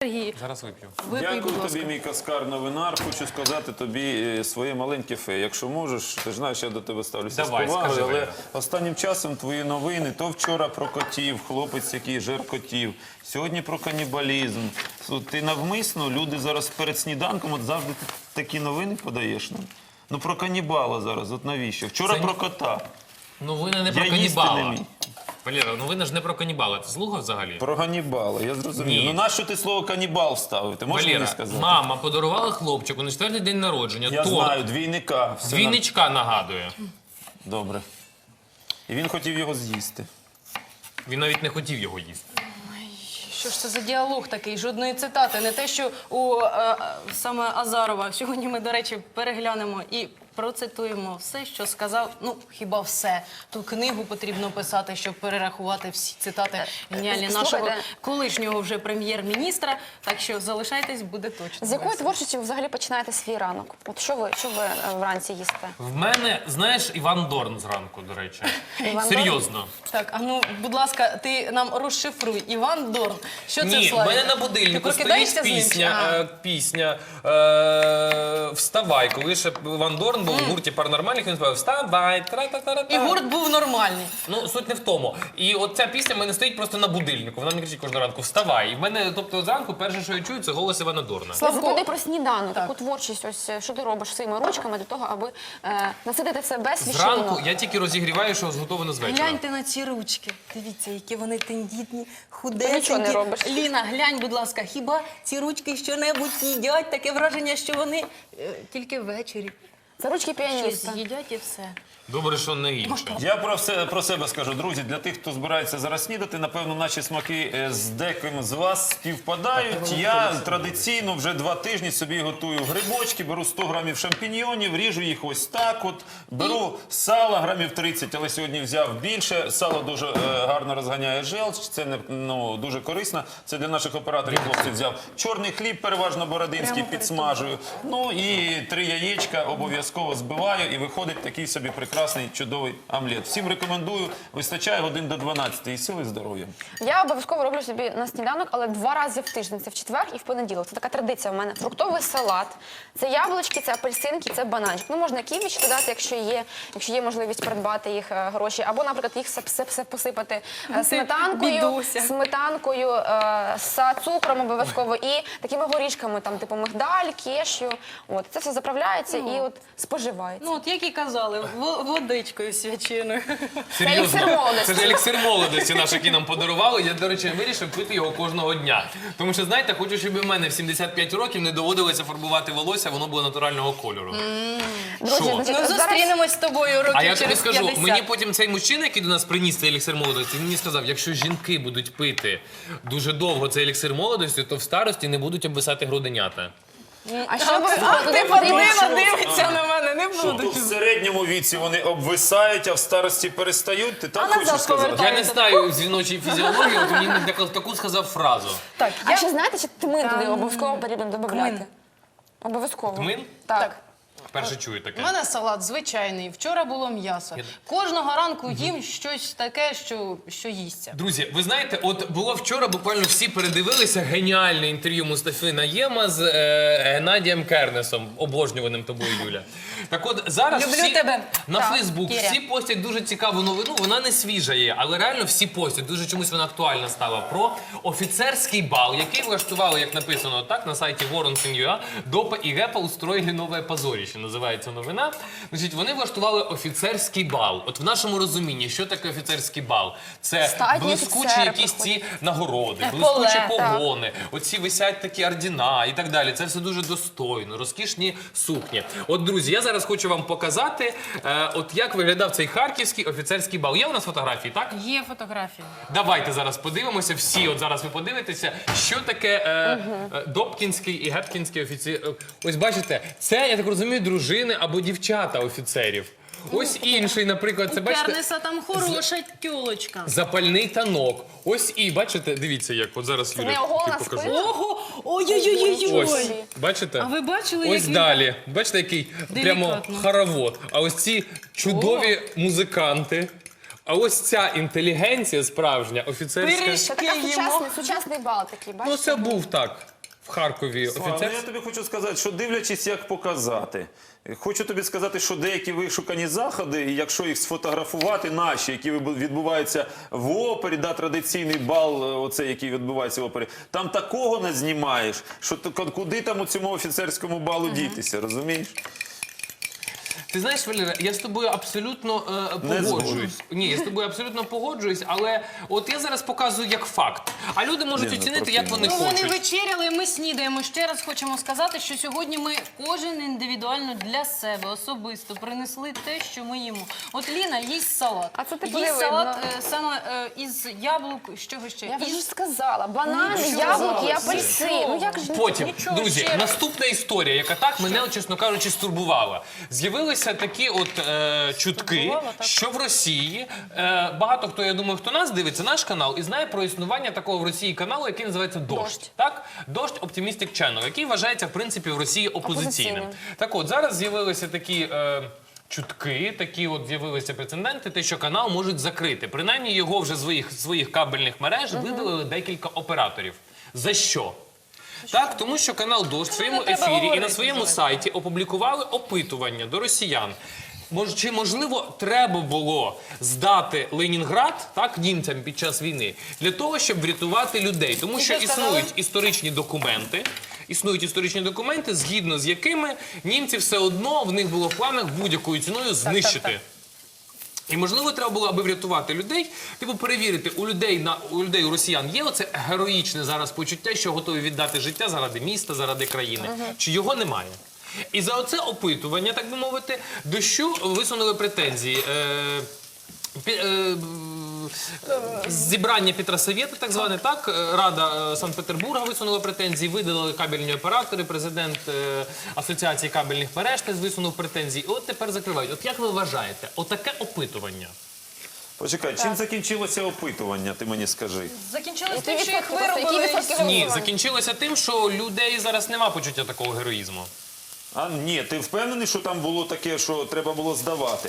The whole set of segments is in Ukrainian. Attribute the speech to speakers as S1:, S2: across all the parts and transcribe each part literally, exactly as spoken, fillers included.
S1: Сергій,
S2: Зараз вип'ю.
S1: випий,
S3: Дякую
S1: будь ласка.
S3: тобі, мій каскар новинар. Хочу сказати тобі своє маленьке фе. Якщо можеш, ти ж знаєш, я до тебе ставлюся
S2: Давай,
S3: з повагою,
S2: скажи,
S3: але
S2: Валера.
S3: останнім часом твої новини, то вчора про котів, хлопець, який жер котів, сьогодні про канібалізм. От ти навмисно, люди зараз перед сніданком, от завжди ти такі новини подаєш нам. Ну про канібала зараз, от навіщо? Вчора
S2: Це
S3: про
S2: ні-
S3: кота.
S2: Новини не
S3: Я
S2: про
S3: їсти
S2: канібала.
S3: не міг.
S2: Валера, новини ж не про канібала. Ти слухав взагалі?
S3: Про Ганнібала, я зрозумів.
S2: Ні.
S3: Ну нащо ти слово канібал вставив? Ти можеш мені
S2: Валера,
S3: сказати?
S2: мама подарувала хлопчику на четвертий день народження
S3: Я
S2: торт.
S3: знаю, двійника. Все на-
S2: Двійничка нагадує.
S3: Добре. І він хотів його з'їсти.
S2: Він навіть не хотів його їсти.
S1: Що ж це за діалог такий? Жодної цитати. Не те, що у е, саме Азарова. Сьогодні ми, до речі, переглянемо і процитуємо все, що сказав. Ну, хіба все. Ту книгу потрібно писати, щоб перерахувати всі цитати геніальні нашого
S4: Слухайте.
S1: колишнього вже прем'єр-міністра. Так що залишайтесь, буде точно.
S4: З якої
S1: весело.
S4: творчості ви взагалі починаєте свій ранок? От що ви, що ви е, вранці їсте?
S2: В мене, знаєш, Іван Дорн зранку, до речі.
S4: Іван
S2: Серйозно.
S1: Так, а ну, будь ласка, ти нам розшифруй. Іван Дорн. Що це,
S2: Ні, в
S1: Славік?
S2: мене на
S1: Ти
S2: будильнику
S1: прокидаєшся
S2: стоїть
S1: з ним?
S2: пісня,
S1: А.
S2: е, пісня е, «Вставай». Коли ще Іван Дорн був в гурті «Паранормальних», він співав «Вставай». Тра-та-та-та-та».
S1: І гурт був нормальний.
S2: Ну, суть не в тому. І от ця пісня в мене стоїть просто на будильнику. Вона мені кричить кожного ранку «Вставай». І в мене, тобто, зранку перше, що я чую, це голос Івана Дорна.
S1: Славко.
S4: Запитай про сніданок,
S1: Так.
S4: таку творчість, ось е, що ти робиш своїми ручками для того, аби е, насидити себе
S2: Зранку
S4: свіжиною.
S2: я тільки розігріваю, що зготовлено з вечора.
S1: Гляньте на ці ручки. Дивіться, які вони тендітні,
S4: Ти
S1: худесенькі.
S4: нічого не робиш.
S1: Ліна, глянь, будь ласка, хіба ці ручки що-небудь їдять? Таке враження, що вони е, тільки ввечері
S4: Це ручки
S1: щось
S4: піаніста.
S1: їдять і все.
S2: Добре, що не інше.
S3: Я про, все, про себе скажу, друзі, для тих, хто збирається зараз снідати, напевно, наші смаки е, з деким з вас співпадають. Я традиційно вже два тижні собі готую грибочки, беру сто грамів шампіньйонів, ріжу їх ось так от, беру сало грамів тридцять, але сьогодні взяв більше. Сало дуже е, гарно розганяє желч, це не, ну, дуже корисно. Це для наших операторів хлопців взяв. Чорний хліб, переважно бородинський,
S1: Прямо
S3: підсмажую. Ну і три яєчка обов'язково збиваю, і виходить такий собі прекрасний, чудовий омлет. Всім рекомендую, вистачає годин до дванадцяти, і сили, і здоров'я.
S4: Я обов'язково роблю собі на сніданок, але два рази в тиждень. Це в четвер і в понеділок. Це така традиція в мене. Фруктовий салат, це яблучки, це апельсинки, це бананчик. Ну, можна ківіч додати, якщо є, якщо є можливість придбати їх е, гроші. Або, наприклад, їх все, все, все посипати е, сметанкою,
S1: бідуся.
S4: сметанкою, е, з цукром обов'язково і такими горішками, там, типу мигдаль, кешю. От, це все заправляється і от споживається.
S1: Ну, от як і казали, во- водичкою свяченою.
S4: еліксир молодості.
S2: Це ж еліксир молодості наш, який нам подарували. Я, до речі, вирішив пити його кожного дня. Тому що, знаєте, хочу, щоб і в мене в сімдесят п'ять років не доводилося фарбувати волосся, воно було натурального кольору.
S4: Друзі,
S2: Що?
S4: значить,
S1: Ну,
S4: зараз-
S1: зустрінемось з тобою років
S2: А я тобі
S1: через
S2: скажу,
S1: п'ятдесят.
S2: мені потім цей мужчина, який до нас приніс цей еліксир молодості, він мені сказав, якщо жінки будуть пити дуже довго цей еліксир молодості, то в старості не будуть обвисати груденята.
S4: А що ви
S1: А
S4: туди
S1: ти
S4: потрібно?
S1: подивно дивиться на мене, не
S3: Що,
S1: буду.
S3: то в середньому віці вони обвисають, а в старості перестають? Ти так
S1: А
S3: хочеш
S1: назад
S3: сказати?
S1: повертають.
S2: Я не знаю жіночої фізіології, от мені таку- таку сказав фразу.
S1: Так,
S4: А
S1: я...
S4: ще знаєте, чи тмин туди
S1: Там,
S4: обов'язково потрібно
S1: Тмин.
S4: додати? Обов'язково.
S2: Тмин?
S4: Так.
S1: Так.
S2: Вперше чую
S1: У
S2: таке.
S1: мене салат звичайний. Вчора було м'ясо. Кожного ранку їм щось таке, що, що їсться.
S2: Друзі, ви знаєте, от було вчора, буквально всі передивилися геніальне інтерв'ю Мустафи Наєма з е, Геннадієм Кернесом, обожнюваним тобою, Юля. Так от зараз
S1: Люблю
S2: всі
S1: тебе.
S2: на
S1: Так,
S2: Фейсбук
S1: Кіря.
S2: всі постять дуже цікаву новину, вона не свіжа є, але реально всі постять, дуже чомусь вона актуальна стала, про офіцерський бал, який влаштували, як написано так, на сайті Воронсен.ua, ДОПА і ГЕПА устроїли нове позоріще, називається новина. Значить, вони влаштували офіцерський бал. От в нашому розумінні, що таке офіцерський бал? Це
S4: Статні
S2: блискучі
S4: офіцери
S2: якісь
S4: приходять.
S2: ці нагороди,
S1: Поле,
S2: блискучі
S1: так.
S2: погони, оці висять такі ордена і так далі. Це все дуже достойно, розкішні сукні. От, друзі, я зараз хочу вам показати, е, от як виглядав цей харківський офіцерський бал. Є у нас фотографії, так?
S1: Є фотографії.
S2: Давайте зараз подивимося, всі, от зараз ви подивитеся, що таке е, е, Добкінський і Гепкінський офіцер. Ось бачите, це, я так розумію, дружини або дівчата офіцерів. Ось інший, наприклад, це
S1: У
S2: бачите,
S1: Кернеса там хороша тюлочка.
S2: запальний танок. Ось і, бачите, дивіться як, от зараз
S4: не
S2: Юлі
S4: оголена
S2: покажу.
S4: спина?
S1: Ого! Ой-ой-ой-ой!
S2: Ось, бачите?
S1: А ви бачили,
S2: Ось
S1: як він-
S2: далі. Бачите, який прямо
S1: Делікатно.
S2: хоровод. А ось ці чудові музиканти. А ось ця інтелігенція справжня, офіцерська.
S1: Пиріж.
S4: Це така
S1: Їмо.
S4: сучасний, сучасний бал такий,
S2: Ну
S4: бачите?
S2: це був так. в Харкові
S3: Слава, ну,
S2: офіцер.
S3: я тобі хочу сказати, що дивлячись, як показати. Хочу тобі сказати, що деякі вишукані заходи, і якщо їх сфотографувати, наші, які відбуваються в опері, да, традиційний бал, оцей, який відбувається в опері, там такого не знімаєш, що ти- куди там у цьому офіцерському балу дітися, розумієш?
S2: Ти знаєш, Валера, я з тобою абсолютно е,
S3: Не
S2: погоджуюсь. Ні, я з тобою абсолютно погоджуюсь, але от я зараз показую як факт. А люди можуть
S3: Ні, ну,
S2: оцінити,
S3: трохи
S2: як вони
S1: Ну, вони
S2: хочуть.
S1: вечеряли, ми снідаємо. Ще раз хочемо сказати, що сьогодні ми кожен індивідуально для себе особисто принесли те, що ми їмо. От Ліна їсть салат.
S4: А це типу
S1: їсть
S4: не
S1: салат
S4: видно.
S1: е, саме е, із яблук, з чого ще?
S4: Я вже
S1: Із
S4: ж сказала, банани,
S1: Ну, що
S4: яблуки,
S1: сказала?
S4: апельсин. Ну як ж не
S2: Потім,
S1: Нічого,
S2: друзі,
S1: ще раз.
S2: наступна історія, яка так мене, чесно кажучи, стурбувала. З'явилися такі от е, чутки,
S1: Стурбувала, так.
S2: що в Росії е, багато хто, я думаю, хто нас дивиться, наш канал, і знає про існування такого в Росії каналу, який називається «Дождь».
S4: «Дождь».
S2: Так? «Дождь Optimistic Channel», який вважається, в принципі, в Росії опозиційним.
S4: Опозиційним.
S2: Так от, зараз з'явилися такі... Е, Чутки, такі от з'явилися прецеденти, те, що канал можуть закрити. Принаймні його вже з своїх, своїх кабельних мереж видалили декілька операторів. За що? Так, тому що канал «Дождь» в своєму
S1: не треба
S2: ефірі і на
S1: говорити,
S2: своєму
S1: Зоя.
S2: сайті опублікували опитування до росіян. Мож, чи, можливо, треба було здати Ленінград, так, німцям під час війни, для того, щоб врятувати людей? Тому що
S1: що сказали?
S2: існують історичні документи, існують історичні документи, згідно з якими німці все одно, в них було в планах будь-якою ціною знищити.
S1: так.
S2: І можливо, треба було, аби врятувати людей, типу перевірити, у людей на у людей, у росіян є оце героїчне зараз почуття, що готові віддати життя заради міста, заради країни. Чи його немає? І за оце опитування, так би мовити, дощу висунули претензії. Е, пі- е, Зібрання Петросовєта, так зване, так, е, Рада е, Санкт-Петербурга висунула претензії, видалили кабельні оператори, президент е, Асоціації кабельних мереж теж висунув претензії. І от тепер закривають. От як ви вважаєте, отаке опитування?
S3: Почекай, чим закінчилося опитування, ти мені скажи?
S1: Закінчилось
S4: Які
S1: тим, що їх
S4: відсотки? Які
S1: виробили.
S4: відсотки
S1: із-
S2: Ні,
S4: голосування?
S2: закінчилося тим, що у людей зараз нема почуття такого героїзму.
S3: А ні, ти впевнений, що там було таке, що треба було здавати?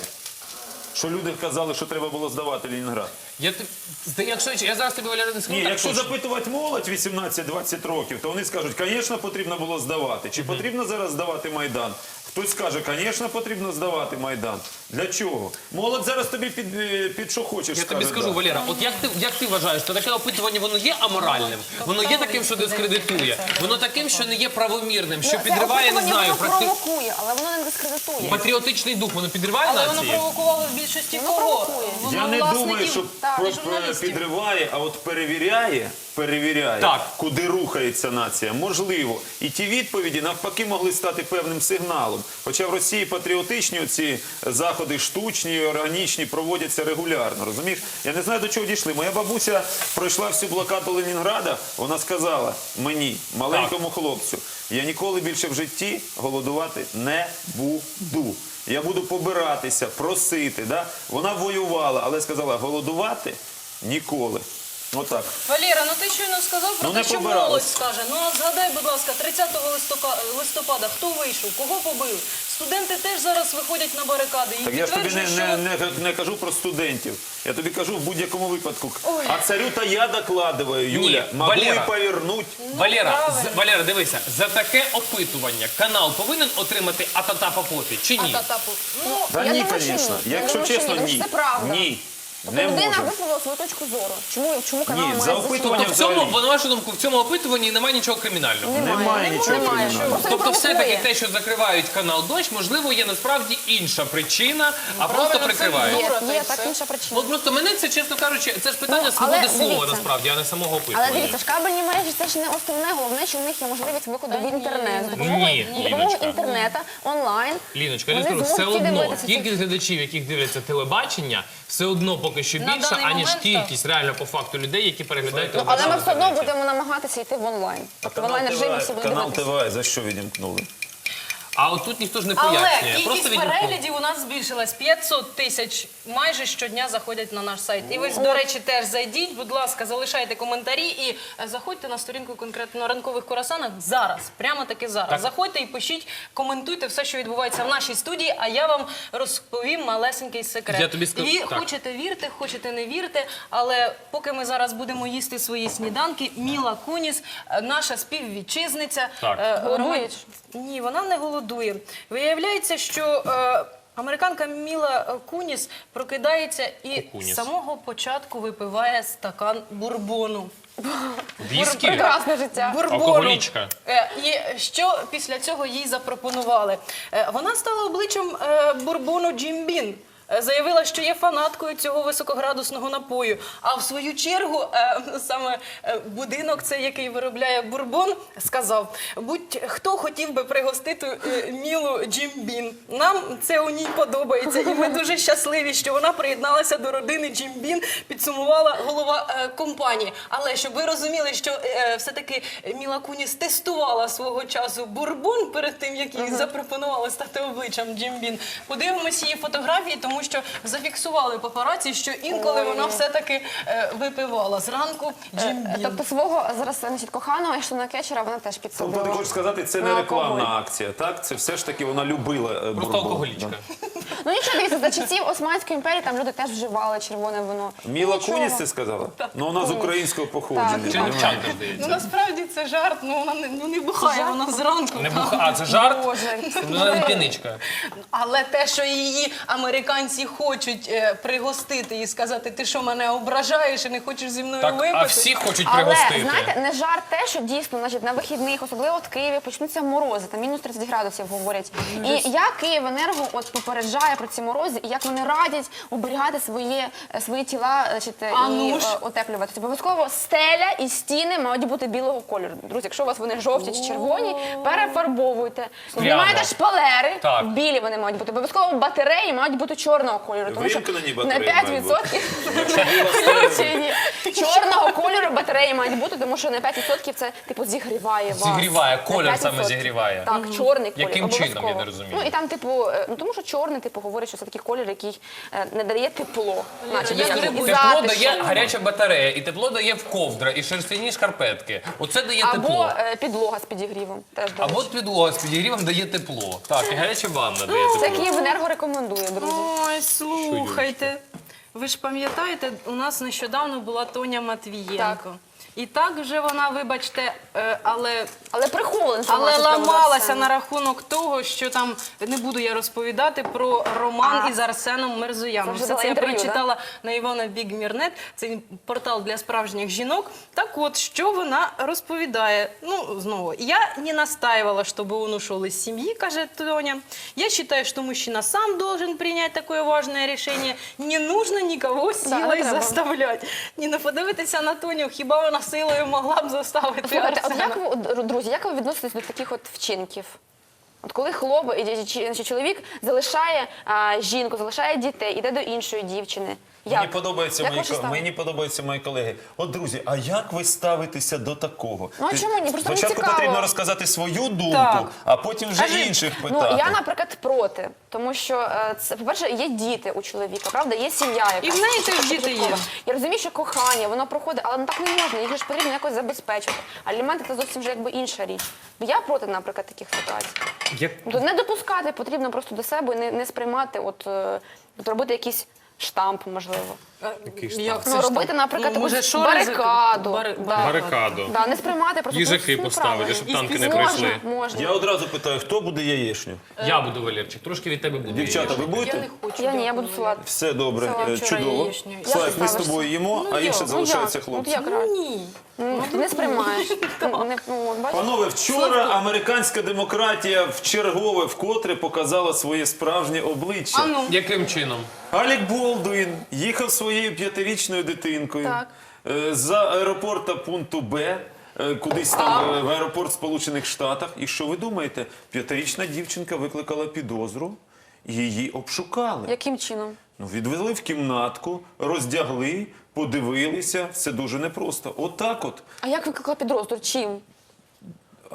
S3: Що люди казали, що треба було здавати Ленінград?
S2: Я, ти- зда- якщо, я зараз тобі, Валерій, не скажу
S3: Ні,
S2: так
S3: якщо
S2: точно.
S3: запитувати молодь вісімнадцять-двадцять років, то вони скажуть, звісно, потрібно було здавати. Чи потрібно зараз здавати Майдан? Хтось скаже, звісно, потрібно здавати Майдан. Для чого? Молодь зараз тобі під, е, під що хочеш
S2: Я тобі
S3: скаже,
S2: скажу,
S3: да.
S2: Валера, от як ти, як ти вважаєш, то таке опитування, воно є аморальним? Воно є таким, що дискредитує? Воно таким, що не є правомірним, що
S4: Ну, це
S2: підриває, не
S4: опитування,
S2: знаю,
S4: воно
S2: практи...
S4: провокує, але воно не дискредитує.
S2: патріотичний дух, воно підриває
S1: Але воно
S2: нації?
S1: провокувало в більшості
S4: Воно
S1: кого?
S4: провокує.
S1: Воно
S3: Я не
S1: власників
S3: думаю, що
S1: та
S3: про-
S1: журналістів.
S3: підриває, а от перевіряє, перевіряє,
S2: Так.
S3: куди рухається нація. Можливо. І ті відповіді навпаки могли стати певним сигналом. Хоча в Росії патріотичні оці заходи штучні, органічні проводяться регулярно. Розумієш? Я не знаю, до чого дійшли. Моя бабуся пройшла всю блокаду Ленінграда. Вона сказала мені, маленькому хлопцю, я ніколи більше в житті голодувати не буду. Я буду побиратися, просити. Да? Вона воювала, але сказала, голодувати ніколи. Отак.
S1: Валера, ну ти щойно сказав про
S3: Ну,
S1: те,
S3: не
S1: що
S3: побирались.
S1: молодь скаже. Ну а згадай, будь ласка, тридцятого листопада, листопада хто вийшов, кого побив? Студенти теж зараз виходять на барикади і
S3: Так я ж тобі не,
S1: підтверджують,
S3: не,
S1: що...
S3: не, не кажу про студентів. Я тобі кажу в будь-якому випадку. А царю-то я докладываю, Юля.
S2: Ні,
S3: Могу
S2: Валера.
S3: і повернуть.
S2: Валера,
S1: правильно.
S2: з- Валера, дивися, за таке опитування канал повинен отримати атата по попі, чи ні?
S1: А та-та-пу. Ну,
S3: Та
S4: Я
S3: ні,
S4: думаю, що
S3: звісно.
S4: ні. Я
S3: Якщо
S4: думаю, що
S3: чесно,
S4: ні, тому
S3: ні.
S4: що це правда.
S3: Ні.
S4: Тобто
S3: Не
S4: людина
S3: може.
S4: висловила свою точку зору. Чому, чому канал
S3: Ні,
S4: має
S3: за
S4: висловити?
S3: опитування
S2: Тобто в цьому,
S3: взагалі.
S2: на вашу думку, в цьому опитуванні немає нічого кримінального?
S3: Немає нічого
S4: Немає.
S3: кримінального.
S4: Просто не
S2: Тобто все-таки
S4: провокує.
S2: те, що закривають канал «Дощ», можливо, є насправді інша причина, а просто
S1: правильно, це
S2: прикривають.
S1: дура.
S4: Є,
S1: та й
S4: є так
S1: все.
S4: інша причина.
S2: От просто мене це, чесно кажучи, це ж питання
S4: Ну,
S2: свободи
S4: але
S2: слова,
S4: дивіться.
S2: насправді, а не самого
S4: Але
S2: опитування.
S4: дивіться, ж кабельні мережі це ж не основне, головне, що в них є можливість виходу в інтернет. За допомогою,
S2: Ні,
S4: за допомогою
S2: Ліночка.
S4: інтернету, онлайн.
S2: Ліночка, я
S4: вони
S2: скажу, все
S4: зможуть
S2: одно
S4: дивитися ці-
S2: кількість глядачів, яких дивляться телебачення, все одно поки що
S1: На
S2: більша,
S1: даний
S2: аніж
S1: момент,
S2: кількість реально по факту людей, які переглядають
S4: Ну, але
S2: телебачення
S4: ми
S2: в
S4: все одно
S2: інтернеті.
S4: будемо намагатися йти в онлайн.
S3: А
S4: В онлайн режимі всі будуть
S3: канал
S4: дивитися.
S3: ТВ за що відімкнули?
S2: А от тут ніхто ж не
S1: Але
S2: пояснює. Просто
S1: кількість
S2: відгуков.
S1: переглядів у нас збільшилась. п'ятсот тисяч майже щодня заходять на наш сайт. І ви, до речі, теж зайдіть, будь ласка, залишайте коментарі і е, заходьте на сторінку конкретно на ранкових курасанах зараз, прямо таки зараз.
S2: Так.
S1: Заходьте і пишіть, коментуйте все, що відбувається в нашій студії, а я вам розповім малесенький секрет.
S2: Я тобі скажу-
S1: І
S2: так.
S1: хочете вірте, хочете не вірте, але поки ми зараз будемо їсти свої сніданки, Міла Куніс, е, наша співвітчизниця,
S2: Так.
S1: е,
S4: Голодує
S1: Роман-
S4: чи
S1: Ні, вона не голодує. Виявляється, що е, американка Міла Куніс прокидається і
S2: Куніс.
S1: з самого початку випиває стакан бурбону.
S2: Віскі?
S4: Прекрасне життя.
S1: Бурбону.
S2: Алкоголічка.
S1: Е, і що після цього їй запропонували? Е, вона стала обличчям е, бурбону Джим Бін. Е, Заявила, що є фанаткою цього високоградусного напою. А в свою чергу е, саме е, будинок, цей, який виробляє бурбон, сказав: будь-хто хотів би пригостити е, Мілу Джим Бін. Нам це у ній подобається. І ми дуже щасливі, що вона приєдналася до родини Джим Бін, підсумувала голова е, компанії. Але щоб ви розуміли, що е, все-таки Міла Куніс тестувала свого часу бурбон перед тим, як їй запропонували стати обличчям Джим Бін. Подивимося її фотографії, тому що зафіксували папараці, що інколи
S4: Ой.
S1: вона все-таки е, випивала зранку Джим Бін.
S4: Тобто свого зараз значить, коханого Ештона Кетчера вона теж
S3: Тобто
S4: підсадила.
S3: ти хочеш сказати, це
S4: На
S3: не
S4: алкоголь.
S3: рекламна акція, так? Це все ж таки вона любила е,
S2: Просто
S3: бурбон.
S2: алкоголічка.
S4: Ну нічого, дивіться, за часів Османської імперії там люди теж вживали червоне вино.
S3: Міла
S4: Нічого.
S3: Куніс це сказала? Ну вона з українського походження.
S4: Так.
S3: розумієш?
S2: Чинчанка,
S1: Ну
S2: здається.
S1: насправді це жарт, ну вона не, ну, не бухає,
S4: жарт?
S1: вона зранку.
S2: Не
S1: там.
S2: буха... А, це жарт?
S4: Боже.
S2: Ну, вона не п'яничка.
S1: Але те, що її американці хочуть е, пригостити і сказати, ти що мене ображаєш і не хочеш зі мною
S2: Так,
S1: випити.
S2: а всі хочуть
S4: Але,
S2: пригостити.
S4: знаєте, не жарт те, що дійсно, значить, на вихідних, особливо в Києві, почнуться морози, там мінус тридцять градусів говорять. І як Київенерго от попереджає про ці морози, і як вони радять оберігати своє, е, свої тіла, значить, е,
S1: А
S4: і
S1: ну ж.
S4: е, утеплювати. Тобто обов'язково стеля і стіни мають бути білого кольору. Друзі, якщо у вас вони жовті чи червоні, перефарбовуйте. Знімайте шпалери,
S2: Так.
S4: білі вони мають бути. Обов'язково батареї мають бути чорного кольору. Тому що
S3: Вимкнені
S4: на
S3: батареї
S4: п'ять
S3: мають бути.
S4: відсотків включені. Чорного кольору батареї мають бути, тому що на п'ять відсотків це типу зігріває вас.
S2: Зігріває,
S4: На
S2: колір
S4: п'ять
S2: саме
S4: відсотків.
S2: зігріває.
S4: Так, чорний колір.
S2: Яким чином,
S4: обов'язково.
S2: я не розумію.
S4: Ну і там, типу, е, ну тому що чорний, типу, говорить, що це такий колір, який е, не дає тепло. Наче
S1: я
S4: як
S1: грибу.
S4: і
S2: Тепло
S4: затишок.
S2: дає гаряча батарея, і тепло дає в ковдра, і шерстяні шкарпетки. Оце дає
S4: Або
S2: тепло.
S4: е, підлога з підігрівом. Теж, до
S2: Або
S4: речі.
S2: підлога з підігрівом дає тепло. Так, і гаряча ванна дає
S4: Це
S2: тепло.
S4: Київенерго рекомендує, друзі.
S1: Ой, слухайте. Ви ж пам'ятаєте, у нас нещодавно була Тоня Матвієнко.
S4: Так.
S1: І так вже вона, вибачте, е, але
S4: Але прихована
S1: Але
S4: інформація з приводу
S1: ламалася
S4: Арсена.
S1: на рахунок того, що там не буду я розповідати про роман
S4: А.
S1: із Арсеном Мерзояном.
S4: Це вже
S1: Все
S4: дала
S1: це я
S4: інтерв'ю,
S1: прочитала на Івана Бігмірнет. Це портал для справжніх жінок. Так от, що вона розповідає? Ну, знову, я не настаивала, чтобы он ушел из семьи, каже Тоня. Я считаю, что мужчина сам должен принять такое важное решение. Не нужно никого силой
S4: треба.
S1: заставлять. Ні, ну подивитися на Тоню, хіба вона силою могла б заставити
S4: Слухайте, от
S1: Арсена?
S4: як ви, от, друзі, як ви відноситесь до таких от вчинків? От коли хлоп, і- і- чи- значить, чоловік залишає а, жінку, залишає дітей, іде до іншої дівчини. Як?
S3: Мені подобається
S4: Як
S3: мої
S4: ваше
S3: ко-
S4: ставлення?
S3: мені подобаються мої колеги. От друзі, а як ви ставитеся до такого?
S4: Ну, а
S3: Ти-
S4: чому ні? Просто мені
S3: Спочатку
S4: цікаво.
S3: потрібно розказати свою думку,
S1: Так.
S3: а потім вже
S1: Кажи.
S3: інших питати.
S4: Ну, я, наприклад, проти. Тому що, е, це, по-перше, є діти у чоловіка, правда? Є сім'я, яка
S1: І в неї теж діти є.
S4: Я розумію, що кохання, воно проходить, але ну, так не можна, їх же ж потрібно якось забезпечити. Аліменти – це зовсім вже якби інша річ. Я проти, наприклад, таких ситуацій.
S2: Як...
S4: Тобто не допускати потрібно просто до себе і не, не сприймати, от, е, от робити якийсь штамп, можливо.
S2: Який ж
S1: Як
S2: там?
S4: Ну,
S1: це
S4: робити,
S1: штамп?
S4: наприклад,
S1: Ну, може,
S4: якусь
S1: шори
S4: барикаду.
S1: закрити?
S4: Да.
S2: Барикаду.
S4: Да, не сприймати просто.
S2: Їжаки
S4: ну,
S2: поставити,
S4: неправильно.
S2: щоб танки не
S4: Можна,
S2: прийшли.
S4: Можна.
S3: Я одразу питаю, хто буде яєчню?
S2: Я буду, Валерчик, трошки від тебе буду.
S3: Дівчата, ви
S1: Я
S3: будете?
S1: не хочу.
S4: Я ні, я
S1: дякую.
S4: буду салат.
S3: Все добре,
S1: Салат
S3: е,
S1: вчора
S3: чудово.
S1: яєчню.
S4: Як
S3: Слайк,
S4: ти
S3: ми з
S4: ставишся?
S3: тобою їмо,
S1: Ну,
S3: а
S1: як?
S3: інше
S1: Ну,
S3: залишається
S4: Ну,
S3: хлопцям.
S4: як раз?
S1: Ні.
S4: Ну, ти не сприймаєш. Ну, не, ну, от бачиш?
S3: Панове, вчора американська демократія вчергове вкотре показала своє справжнє обличчя.
S1: А ну.
S2: Яким чином?
S3: Алек Болдуін їхав своєю п'ятирічною дитинкою
S1: Так.
S3: е, з аеропорта пункту Б, е, кудись там е, в аеропорт Сполучених Штатів. І що ви думаєте? П'ятирічна дівчинка викликала підозру, її обшукали.
S4: Яким чином?
S3: Ну, відвели в кімнатку, роздягли, подивилися. Все дуже непросто. Отак от.
S4: А як викликала підрозділ? Чим?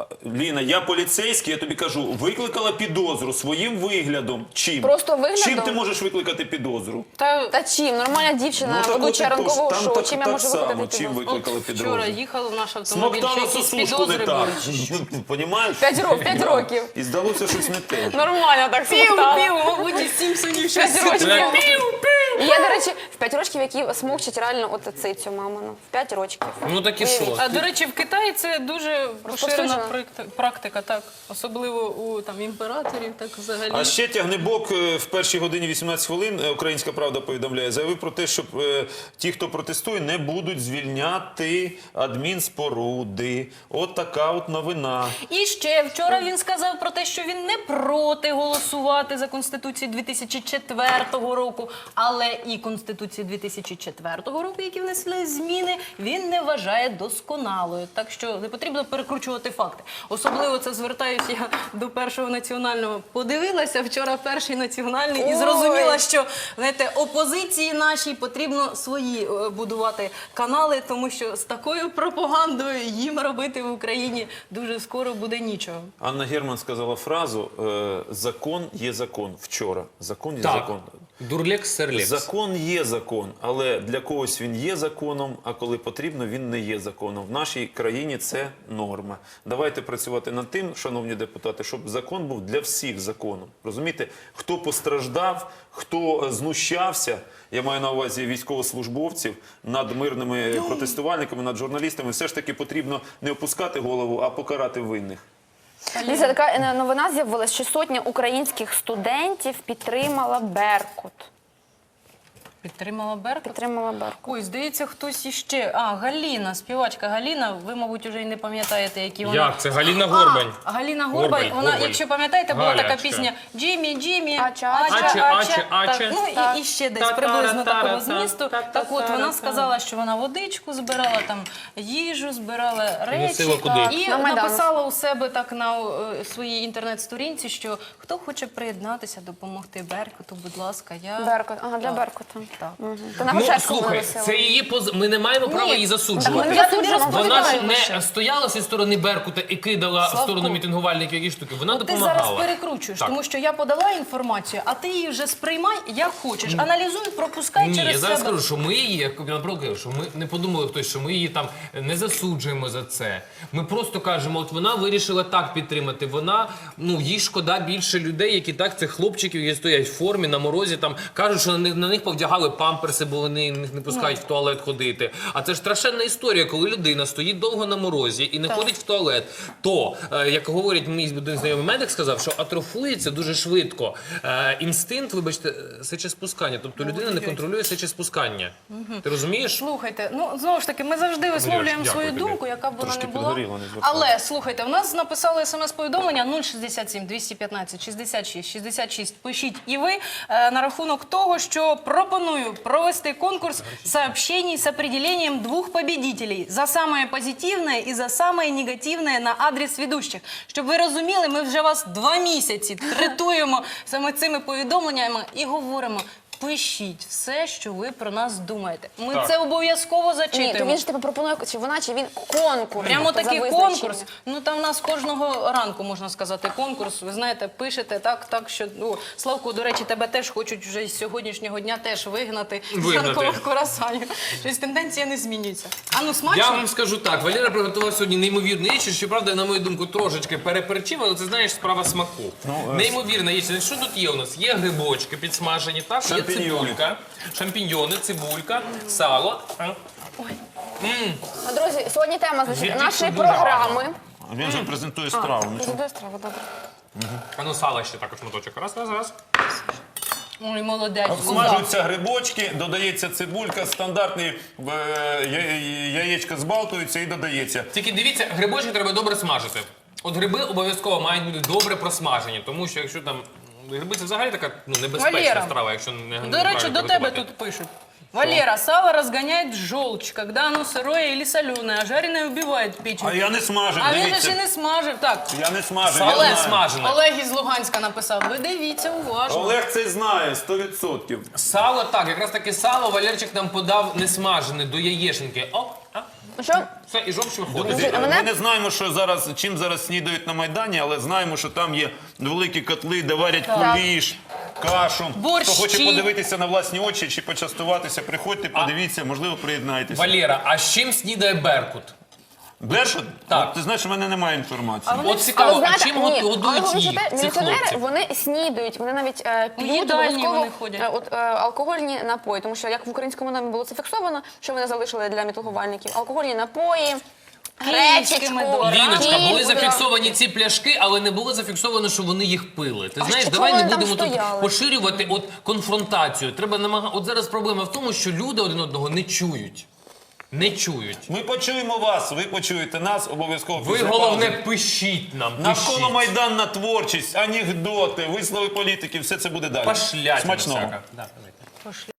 S3: Ліна, я поліцейський, я тобі кажу, викликала підозру своїм виглядом. Чим?
S4: Просто виглядом?
S3: Чим ти можеш викликати підозру?
S1: Та
S4: Та чим? Нормальна дівчина,
S3: Ну, так
S4: ведуча
S3: от і
S4: ранкового
S3: тож, там
S4: шоу.
S3: так-
S4: Чим я
S3: так
S4: можу
S3: само,
S4: викликати
S3: чим
S4: підозру?
S3: викликали
S1: от
S3: підозру?
S1: вчора їхав наш автомобіль, ще
S3: Смоктала
S1: якісь
S3: сосушку не
S1: підозри
S3: так.
S1: були.
S3: Понімаєш?
S4: П'ять років, п'ять років.
S3: І здалося щось не те.
S4: Нормально так
S1: Пів,
S4: смоктала.
S1: пів, мабуть, із Сімпсонів щось.
S4: П'ять років.
S2: Так.
S4: І я, до речі, в п'ять років, які смокчать реально от цицю мамину. В п'ять років.
S2: Ну так і що?
S1: А, до речі, в Китаї це дуже поширена
S4: Розповсюджена.
S1: практи- практика, так. Особливо у там імператорів, так взагалі.
S3: А ще Тягнебок е, в першій годині вісімнадцять хвилин, е, Українська Правда повідомляє, заявив про те, що е, ті, хто протестує, не будуть звільняти адмінспоруди. От така от новина.
S1: І ще вчора він сказав про те, що він не проти голосувати за Конституцію дві тисячі четвертого року, але і Конституцію дві тисячі четвертого року, які внесли зміни, він не вважає досконалою. Так що не потрібно перекручувати факти. Особливо це звертаюся я до першого національного. Подивилася вчора перший національний і
S4: Ой.
S1: зрозуміла, що знаєте, опозиції нашій потрібно свої е, будувати канали, тому що з такою пропагандою їм робити в Україні дуже скоро буде нічого.
S3: Анна Герман сказала фразу е, «Закон є закон» вчора. Закон є
S2: Так.
S3: закон.
S2: Дурлекс, серлекс.
S3: Закон є закон, але для когось він є законом, а коли потрібно, він не є законом. В нашій країні це норма. Давайте працювати над тим, шановні депутати, щоб закон був для всіх законом. Розумієте, хто постраждав, хто знущався, я маю на увазі військовослужбовців, над мирними протестувальниками, над журналістами, все ж таки потрібно не опускати голову, а покарати винних.
S4: Дивіться, така е, новина з'явилася, що сотня українських студентів підтримала Беркут.
S1: Підтримала Беркут?
S4: Підтримала Беркут.
S1: Ой, здається, хтось іще. А, Галіна, співачка Галіна. Ви, мабуть, вже й не пам'ятаєте, які вона...
S2: Як? Це Галіна Горбань.
S1: А, Галіна Горбань.
S2: Горбань,
S1: Вона,
S2: Горбань.
S1: якщо пам'ятаєте, була така
S2: Галячка.
S1: пісня «Джиммі, Джиммі,
S4: Ача,
S1: Ача,
S2: Аче,
S1: Ача».
S2: Аче, Аче.
S1: Так, ну і, і ще десь приблизно такого змісту. Так от, вона сказала, що вона водичку збирала, там їжу, збирала речі.
S2: Носила куди?
S1: І
S4: На Майдан.
S1: написала у себе так на е, своїй інтернет-сторінці, що хто хоче приєднатися, допомогти Беркуту, будь ласка, я...
S4: Беркут. Ага, для
S1: Так.
S4: Беркута.
S1: Так.
S4: Мгм. Ти на
S2: Ну,
S4: Грушевську
S2: слухай,
S4: виносила.
S2: це її поз... Ми не маємо права
S1: Ні.
S2: її
S4: Так
S2: засуджувати.
S4: ми
S1: Я тобі
S4: засуджуємо,
S1: розповідаю
S2: Вона ж
S1: лише.
S2: не стояла зі сторони Беркута і кидала в
S1: Славко.
S2: сторону мітингувальників які штуки. Вона
S1: От ти
S2: допомагала.
S1: зараз перекручуєш,
S2: Так.
S1: тому що я подала інформацію, а ти її вже сприймай як хочеш. Аналізуй, пропускай
S2: Ні,
S1: через
S2: я зараз
S1: себе.
S2: скажу, що ми її, як я наприклад, кажу, що ми не подумали хтось, що ми її там не засуджуємо за це. Ми просто кажемо, от вона вирішила так підтримати. Вона, ну їй шкода більше людей, які так цих хлопчиків, які стоять в формі на морозі, там кажуть, що на них, на них повдягали памперси, бо вони їх не пускають в туалет ходити. А це ж страшенна історія, коли людина стоїть довго на морозі і не ходить в туалет. То, е, як говорить мій один знайомий медик, сказав, що атрофується дуже швидко е, інстинкт, вибачте, сечеспускання. Тобто людина не контролює сечеспускання. Ти розумієш?
S1: Слухайте, ну знову ж таки, ми завжди висловлюємо
S2: дякую
S1: свою
S2: тобі.
S1: думку, яка б вона
S3: Трошки
S1: не була.
S3: підгоріло, не звертайся.
S1: Але слухайте, в нас написали смс-повідомлення нуль шістдесят сім двісті п'ятнадцять шістдесят шість шістдесят шість. Пишіть і ви е, на рахунок того, що пропоную провести конкурс сообщений с определением двух победителей за самое позитивное и за самое негативное на адрес ведущих. Щоб ви розуміли, ми вже вас два місяці третуємо саме цими повідомленнями і говоримо. Пишіть все, що ви про нас думаєте. Ми
S2: Так.
S1: це обов'язково
S4: Ні, то
S1: зачитуємо.
S4: він ж тебе пропонує, чи вона, чи він конкурс.
S1: Прямо
S4: тобто,
S1: такий
S4: за визначенням.
S1: конкурс. Ну там в нас кожного ранку можна сказати конкурс. Ви знаєте, пишете так, так що ну Славку, до речі, тебе теж хочуть вже з сьогоднішнього дня теж вигнати з
S2: Вигнати.
S1: ранкових курасанів. Щось тенденція не змінюється. А ну смачно.
S2: Я вам скажу так, Валера приготував сьогодні неймовірну їжу, щоправда, на мою думку, трошечки переперчив, але це, знаєш, справа смаку.
S3: е,
S2: Неймовірна їжа. Що тут є у нас? Є грибочки підсмажені, так? Є
S3: Шампіньйони.
S2: цибулька, шампіньйони, цибулька, сало. А?
S4: Ну, друзі, сьогодні тема значить,
S2: Звідки
S4: нашої
S2: дуже
S4: програми.
S3: Він вже презентує страву. ну,
S4: Презентує страву, добре.
S2: А ну сало ще також моточок. Раз, раз, раз.
S1: Ой, молодець.
S3: Смажуються грибочки, додається цибулька, стандартні е, я- яєчка збалтуються і додається.
S2: Тільки дивіться, грибочки треба добре смажити. От гриби обов'язково мають бути добре просмажені, тому що якщо там гриби це взагалі така ну, небезпечна
S1: Валера,
S2: страва, якщо не
S1: До речі, до тебе тут пишуть. Валера, сало разгоняет желчь, когда оно сырое или соленое, а жареное убивает печень.
S3: А я не смажив,
S1: А він же
S3: дивіться.
S1: ще не смажив. Так,
S3: Я не смажив,
S2: Сало
S3: я
S2: не
S3: знаю.
S2: смажене.
S1: Олег із Луганська написав. Ви дивіться уважно.
S3: Олег це знає, сто відсотків.
S2: Сало так, якраз таки сало Валерчик нам подав не смажене до яєшенки. О, а?
S4: Ну що,
S2: Все, і жовч виходить.
S3: Друзі,
S4: а мене-
S3: ми не знаємо, що зараз, чим зараз снідають на Майдані, але знаємо, що там є великі котли, де варять куліш, кашу.
S1: Борщі.
S3: Хто хоче подивитися на власні очі чи почастуватися, приходьте, подивіться, можливо, приєднайтеся.
S2: Валера, а з чим снідає Беркут?
S3: Бершот?
S2: Так.
S3: От, ти знаєш, у мене немає інформації.
S1: вони-
S2: От цікаво,
S4: але
S2: а
S4: знаєте,
S2: чим
S4: ні,
S2: гот-
S4: але
S2: годують
S4: ви
S2: їх,
S4: знаєте,
S2: цих
S4: міліціонери,
S2: хлопців?
S4: вони снідають, вони навіть е, п'ють
S1: їдальні
S4: обов'язково
S1: вони ходять.
S4: е, от, е, алкогольні напої, тому що як в українському домі було це фіксовано, що вони залишили для мітингувальників, алкогольні напої, гречечку,
S1: медок.
S2: Ліночка, були
S4: кіт,
S2: зафіксовані ці пляшки, але не було зафіксовано, що вони їх пили. Ти
S4: А
S2: знаєш,
S4: що
S2: давай
S4: вони
S2: не
S4: там
S2: будемо тут
S4: стояли?
S2: поширювати от конфронтацію. Треба намагати. От зараз проблема в тому, що люди один одного не чують. Не чують.
S3: Ми почуємо вас, ви почуєте нас, обов'язково.
S2: Ви
S3: після
S2: головне
S3: паузи.
S2: пишіть нам.
S3: Навколо
S2: Пишіть.
S3: Майданна творчість, анекдоти, вислови політиків, все це буде далі.
S2: Пошлять
S3: Смачного.
S2: всяка. Да, давайте.